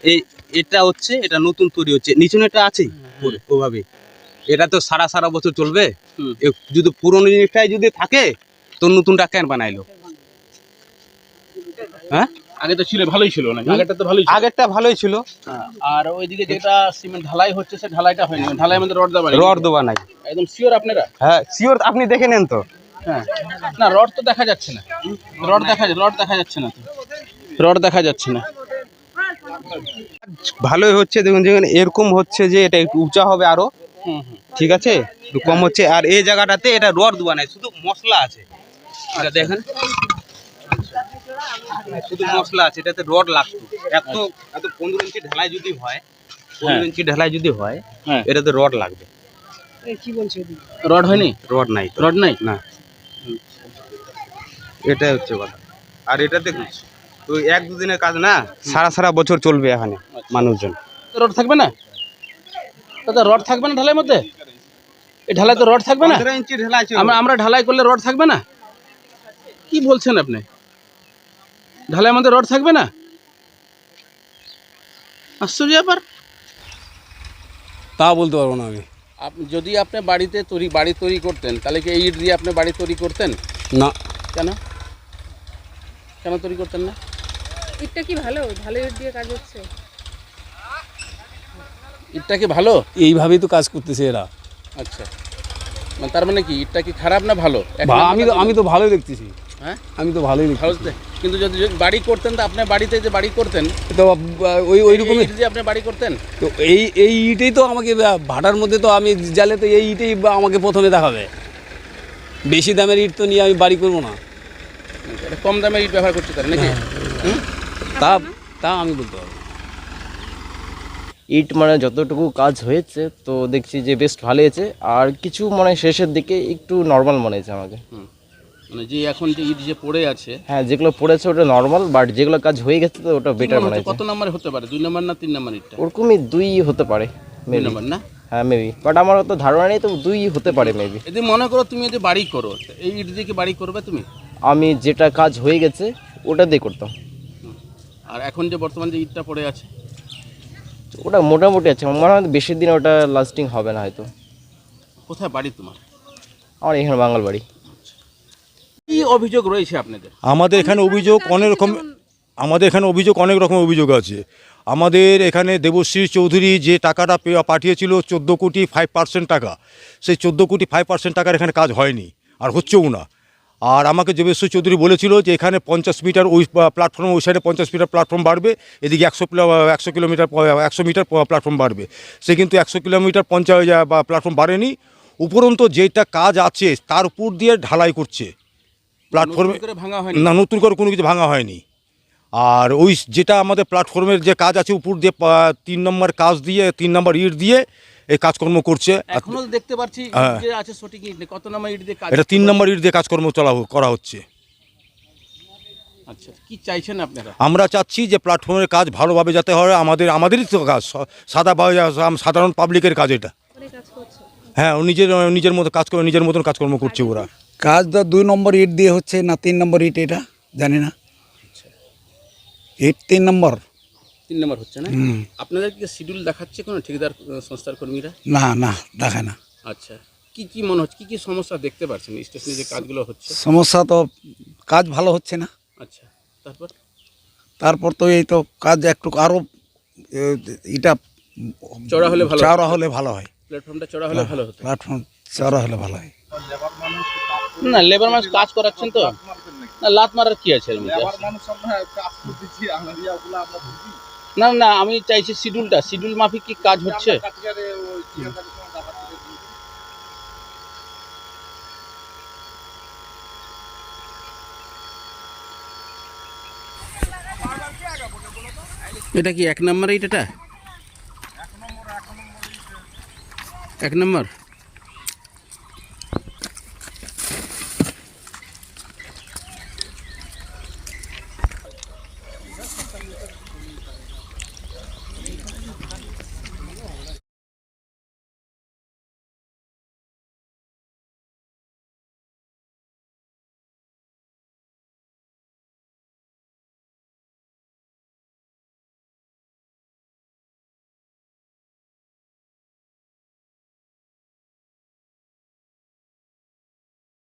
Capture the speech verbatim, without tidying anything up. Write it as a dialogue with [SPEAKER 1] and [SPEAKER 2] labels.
[SPEAKER 1] এই এটা হচ্ছে এটা নতুন তৈরি হচ্ছে, নিচে এটা আছে ওভাবে, এটা তো সারা সারা বছর চলবে। যদি পুরনো জিনিসটাই যদি থাকে তো নতুনটা কেন বানাইলো? হ্যাঁ
[SPEAKER 2] আগে তো ছিল ভালোই ছিল না, আগেরটা তো ভালোই ছিল।
[SPEAKER 1] আগেরটা ভালোই ছিল।
[SPEAKER 2] আর ওইদিকে যেটা সিমেন্ট ঢালাই হচ্ছে সে ঢালাইটা হয়নি, ঢালাই মধ্যে রড দেওয়া
[SPEAKER 1] রড দেওয়া নাই।
[SPEAKER 2] একদম শিওর আপনারা?
[SPEAKER 1] হ্যাঁ শিওর, আপনি দেখে নেন তো।
[SPEAKER 2] হ্যাঁ না রড তো দেখা যাচ্ছে না, রড দেখা রড দেখা যাচ্ছে না, রড দেখা যাচ্ছে না।
[SPEAKER 1] ভালোই হচ্ছে, দেখুন দেখুন এরকম হচ্ছে যে এটা একটু উঁচা হবে আরো, ঠিক আছে, একটু কম হচ্ছে। আর এই জায়গাটাতে এটা রড দেওয়া নাই, শুধু মশলা আছে। এটা দেখেন শুধু মশলা আছে, এটাতে রড লাগতো। এত এত পনেরো ইঞ্চি ঢালাই যদি হয়, পনেরো ইঞ্চি ঢালাই যদি হয়, এটাতে রড লাগবে।
[SPEAKER 2] কি বলছে রড হয়নি?
[SPEAKER 1] রড নাই,
[SPEAKER 2] রড নাই
[SPEAKER 1] না, এটাই হচ্ছে কথা। আর এটা দেখুন তো এক দুদিনের কাজ না, সারা সারা বছর চলবে এখানে মানুষজন।
[SPEAKER 2] রড থাকবে না দাদা? রড থাকবে না ঢালাইয়ের মধ্যে? এই ঢালাই তো রড থাকবে না?
[SPEAKER 1] পনেরো ইঞ্চি ঢালাই
[SPEAKER 2] আমরা আমরা ঢালাই করলে রড থাকবে না? কি বলছেন আপনি? ঢালাইয়ের মধ্যে রড থাকবে না? আশ্চর্য ব্যাপার।
[SPEAKER 3] তা বলতে পারবো না আমি।
[SPEAKER 2] আপনি যদি আপনি বাড়িতে তৈরি বাড়ি তৈরি করতেন তাহলে কি এই ইট দিয়ে আপনি বাড়ি তৈরি করতেন?
[SPEAKER 3] না।
[SPEAKER 2] কেন কেন তৈরি করতেন না?
[SPEAKER 4] ইটটা কি ভালো? ভালো ইট দিয়ে কাজ হচ্ছে।
[SPEAKER 2] ইটটা কি ভালো?
[SPEAKER 3] এইভাবেই তো কাজ করতেছে এরা।
[SPEAKER 2] আচ্ছা, মানে তার মানে কি ইটটা কি খারাপ না ভালো?
[SPEAKER 3] আমি তো আমি তো ভালোই দেখতেছি।
[SPEAKER 2] হ্যাঁ
[SPEAKER 3] আমি তো ভালোই
[SPEAKER 2] ভালো,
[SPEAKER 3] দেখতেছি।
[SPEAKER 2] কিন্তু যদি যদি বাড়ি করতেন তো আপনার বাড়িতে যে বাড়ি করতেন
[SPEAKER 3] তো ওই ওই রকমই
[SPEAKER 2] যে আপনি বাড়ি করতেন,
[SPEAKER 3] তো এই এই ইটেই তো আমাকে ভাটার মধ্যে তো আমি জালে তো এই ইটেই আমাকে প্রথমে দেখাবে। বেশি দামের ইট তো নিয়ে আমি বাড়ি করবো না।
[SPEAKER 2] এটা কম দামে ইট ব্যবহার করতে পারেন নাকি?
[SPEAKER 3] তা তা আমি বলতে পারবো।
[SPEAKER 5] ইট মানে যতটুকু কাজ হয়েছে তো দেখছি যে বেশ ভালো হয়েছে, আর কিছু মানে শেষের দিকে একটু নর্মাল মনে হয়েছে আমাকে।
[SPEAKER 2] মানে যে এখন যে ইট যে পড়ে আছে,
[SPEAKER 5] হ্যাঁ যেগুলো পড়েছে ওটা নর্মাল, বাট যেগুলো কাজ হয়ে গেছে তো ওটা বেটার মনে হয়েছে।
[SPEAKER 2] কত নম্বরে হতে পারে? দুই নম্বর না তিন নম্বর ইটটা?
[SPEAKER 5] ওরকমই দুই হতে পারে
[SPEAKER 2] দুই
[SPEAKER 5] মেবি।
[SPEAKER 2] নম্বর না?
[SPEAKER 5] হ্যাঁ মেবি, বাট আমার তো ধারণা নেই, তো দুই হতে পারে মেবি।
[SPEAKER 2] যদি মনে করো তুমি যদি বাড়ি করো, এই ইট দিয়ে কি বাড়ি করবে তুমি?
[SPEAKER 5] আমি যেটা কাজ হয়ে গেছে ওটা দিয়ে করতাম।
[SPEAKER 2] আর এখন যে বর্তমান যে ইটটা পড়ে আছে
[SPEAKER 5] ওটা মোটামুটি আছে, আমার মনে হয় বেশি দিন ওটা লাস্টিং হবে না হয়তো।
[SPEAKER 2] কোথায় বাড়ি তোমার?
[SPEAKER 5] আমার এখানে বাঙাল বাড়ি।
[SPEAKER 2] কি অভিযোগ রয়েছে আপনাদের?
[SPEAKER 6] আমাদের এখানে অভিযোগ অনেক রকম, আমাদের এখানে অভিযোগ অনেক রকম অভিযোগ আছে। আমাদের এখানে দেবশ্রী চৌধুরী যে টাকাটা পাঠিয়েছিল চোদ্দো কোটি ফাইভ পার্সেন্ট টাকা, সেই চোদ্দো কোটি ফাইভ পার্সেন্ট টাকার এখানে কাজ হয়নি আর হচ্ছেও না। আর আমাকে দেবশ্রী চৌধুরী বলেছিল যে এখানে পঞ্চাশ মিটার ওই প্ল্যাটফর্ম, ওই সাইডে পঞ্চাশ মিটার প্ল্যাটফর্ম বাড়বে, এদিকে একশো একশো কিলোমিটার একশো মিটার প্ল্যাটফর্ম বাড়বে। সে কিন্তু একশো কিলোমিটার পঞ্চাশ বা প্ল্যাটফর্ম বাড়েনি, উপরন্তু যেটা কাজ আছে তার উপর দিয়ে ঢালাই করছে প্ল্যাটফর্মে, না নতুন করে কোনো কিছু ভাঙা হয়নি। আর ওই যেটা আমাদের প্ল্যাটফর্মের যে কাজ আছে উপর দিয়ে তিন নম্বর কাজ দিয়ে তিন নম্বর ইট দিয়ে এই কাজকর্ম করছে।
[SPEAKER 2] এখনো দেখতে পাচ্ছি যে আছে সঠিক ইট, কত নম্বর ইট দিয়ে কাজ?
[SPEAKER 6] এটা তিন নম্বর ইট দিয়ে কাজকর্ম চলা করা হচ্ছে।
[SPEAKER 2] আচ্ছা, কি চাইছেন আপনারা?
[SPEAKER 6] আমরা চাচ্ছি যে প্ল্যাটফর্মের কাজ ভালোভাবে যাতে হয়, আমাদের আমাদেরই তো কাজ, সাদা সাধারণ পাবলিকের কাজ এটা। হ্যাঁ ও নিজের নিজের মতো কাজ করে নিজের মতন কাজকর্ম করছে ওরা।
[SPEAKER 7] কাজ তো দুই নম্বর ইট দিয়ে হচ্ছে না তিন নম্বর ইট, এটা জানি না। ইট তিন নম্বর
[SPEAKER 2] তিন নম্বর হচ্ছে না? আপনাদের কি শিডিউল দেখাচ্ছে কোনো ঠিকাদার সংস্থার কর্মীরা?
[SPEAKER 7] না না দেখায় না।
[SPEAKER 2] আচ্ছা, কি কি মনে হচ্ছে, কি কি সমস্যা দেখতে পাচ্ছেন স্টেশনে যে কাজগুলো হচ্ছে?
[SPEAKER 7] সমস্যা তো কাজ ভালো হচ্ছে না।
[SPEAKER 2] আচ্ছা, তারপর
[SPEAKER 7] তারপর তো এই তো কাজ একটু আরও এটা
[SPEAKER 2] চড়া হলে ভালো,
[SPEAKER 7] চড়া হলে ভালো হয়,
[SPEAKER 2] প্ল্যাটফর্মটা চড়া হলে ভালো হতো।
[SPEAKER 7] প্ল্যাটফর্ম চড়া হলে ভালো হয়।
[SPEAKER 2] না লেবার মানুষ কাজ করাচ্ছেন তো, না লাত মারার কি আছে এর মধ্যে? না না আমি চাইছি শিডিউলটা, শিডিউল মাফিক কি কাজ হচ্ছে? এটা কি এক নম্বর ইট? এটা এক নম্বর